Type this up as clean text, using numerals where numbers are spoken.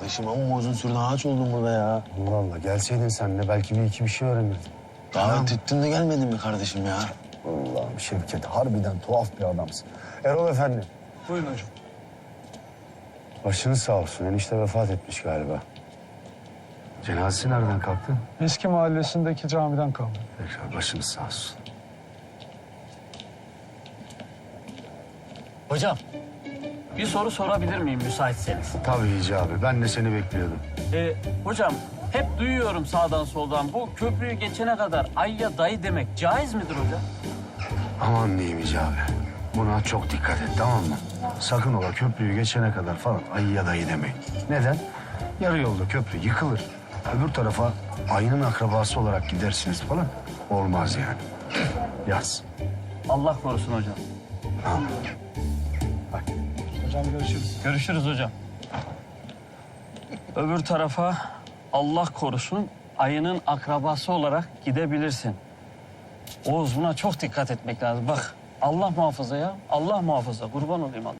kardeşim ama uzun sürdü ağaç oldum burada ya. Allah Allah, gelseydin sen de belki bir iki bir şey öğrenirdin. Davet ettin de gelmedin mi kardeşim ya? Allah'ım Şevket, harbiden tuhaf bir adamsın. Erol Efendi. Buyurun hocam. Başınız sağ olsun, enişte vefat etmiş galiba. Cenazesi nereden kalktı? Eski mahallesindeki camiden kaldı. Tekrar başınız sağ olsun. Hocam, bir soru sorabilir miyim müsaitseniz? Tabii Hicabi, ben de seni bekliyordum. Hocam, hep duyuyorum sağdan soldan. Bu köprüyü geçene kadar ayya dayı demek caiz midir hocam? Aman diyeyim Hicabi, buna çok dikkat et, tamam mı? Sakın ola köprüyü geçene kadar falan ayı ya dayı demeyin. Neden? Yarı yolda köprü yıkılır. Öbür tarafa ayının akrabası olarak gidersiniz falan. Olmaz yani. Yaz. Allah korusun hocam. Tamam. Hocam görüşürüz. Görüşürüz hocam. Öbür tarafa Allah korusun ayının akrabası olarak gidebilirsin. Oğuz buna çok dikkat etmek lazım. Bak Allah muhafaza ya. Allah muhafaza. Kurban olayım Allah.